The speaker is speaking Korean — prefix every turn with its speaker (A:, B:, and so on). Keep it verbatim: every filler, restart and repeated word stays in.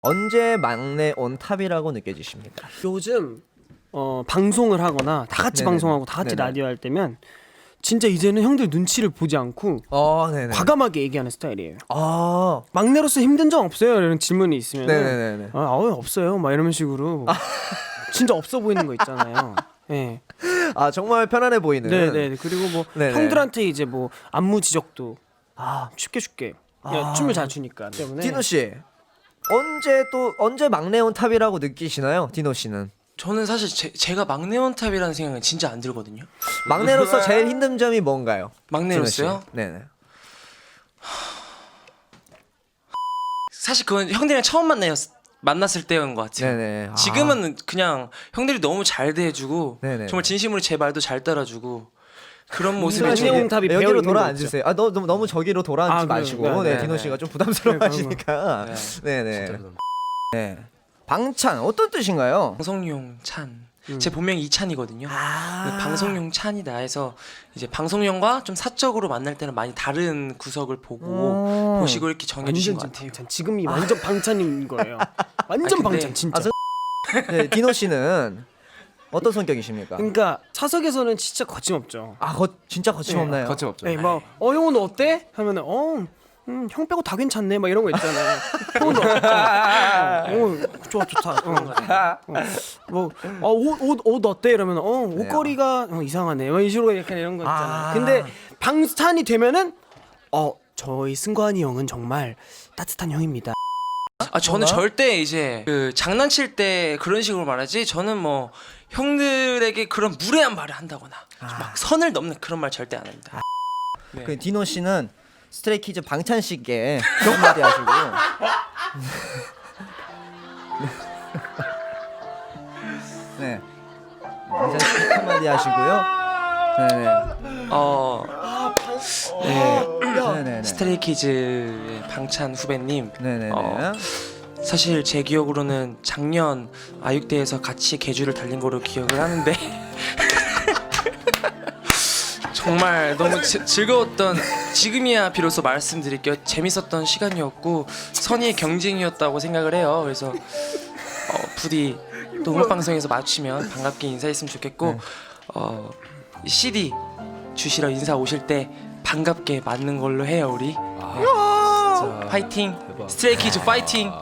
A: 언제 막내 온탑이라고 느껴지십니까?
B: 요즘 어, 방송을 하거나 다 같이
A: 네네네.
B: 방송하고 다 같이
A: 네네.
B: 라디오 할 때면 진짜 이제는 형들 눈치를 보지 않고
A: 어, 네네.
B: 과감하게 얘기하는 스타일이에요.
A: 아,
B: 막내로서 힘든 점 없어요? 이런 질문이 있으면
A: 네네네.
B: 아, 아 없어요. 막 이런 식으로 진짜 없어 보이는 거 있잖아요. 네.
A: 아 정말 편안해 보이는.
B: 네네. 그리고 뭐
A: 네네.
B: 형들한테 이제 뭐 안무 지적도 아 쉽게 쉽게 그냥
A: 아.
B: 춤을 잘 추니까 때문에.
A: 디노 씨 언제 또 언제 막내 온탑이라고 느끼시나요, 디노 씨는?
C: 저는 사실 제, 제가 막내 원탑이라는 생각은 진짜 안 들거든요.
A: 막내로서 제일 힘든 점이 뭔가요?
C: 막내로서요?
A: 디노 씨? 네네.
C: 사실 그건 형들이랑 처음 만나였, 만났을 때인 것 같아요.
A: 네네. 아.
C: 지금은 그냥 형들이 너무 잘 대해주고
A: 네네.
C: 정말 진심으로 제 말도 잘 따라주고 그런 모습이
B: 막내
C: 좀
B: 온탑이 배어
A: 여기로
B: 있는
A: 돌아
B: 거
A: 앉으세요. 아, 너 너무, 너무 저기로 돌아 앉지
B: 아, 그래요?
A: 마시고,
B: 네,
A: 네,
C: 네,
A: 디노
C: 네.
A: 씨가 좀 부담스러워하시니까.
C: 네.
A: 네네. 네. 방찬 어떤 뜻인가요?
C: 방송용 찬.
B: 음.
C: 제 본명이 이찬이거든요.
A: 아.
C: 그 방송용 찬이다 해서 이제 방송용과 좀 사적으로 만날 때는 많이 다른 구석을 보고
A: 오.
C: 보시고 이렇게 정해주신 것
B: 완전
C: 같아요.
B: 방찬. 지금이 완전 방찬인 거예요. 완전
C: 아, 근데-
B: 방찬 진짜.
A: 아, 저- 네, 디노 씨는 어떤 성격이십니까?
B: 그러니까 차석에서는 진짜 거침없죠.
A: 아, 거, 진짜 거침없나요?
D: 거침없죠.
B: 네, 막 어 형은 너 어때? 하면은 어, 음, 형 빼고 다 괜찮네. 막 이런 거 있잖아요. 형은 너 어때? 어, 좋아 좋다. 어, 어, 뭐옷옷 어때? 이러면 어 옷걸이가 어, 이상하네. 막 이런 식으로 약간 이런 거 있잖아요.
A: 아.
B: 근데 방탄이 되면은 어 저희 승관이 형은 정말 따뜻한 형입니다.
C: 아 저는 절대 이제 그 장난칠 때 그런 식으로 말하지 저는 뭐 형들에게 그런 무례한 말을 한다거나 막 선을 넘는 그런 말 절대 안 합니다. 네.
A: 그 디노 씨는 스트레이키즈 방찬 씨께 한마디 하시고. 네. 방찬 씨 한마디 하시고요. 네네.
C: 어, 네,
A: 네네네.
C: 스트레이키즈의 방찬 후배님.
A: 네네네.
C: 어, 사실 제 기억으로는 작년 아육대에서 같이 계주를 달린 거로 기억을 하는데 정말 너무 지, 즐거웠던 지금이야 비로소 말씀드릴게요. 재밌었던 시간이었고 선의의 경쟁이었다고 생각을 해요. 그래서 어, 부디 또 음악 방송에서 마주치면 반갑게 인사했으면 좋겠고 어, 씨디 주시러 인사 오실 때 반갑게 맞는 걸로 해요 우리. 네. 파이팅. 스트레이키즈 파이팅.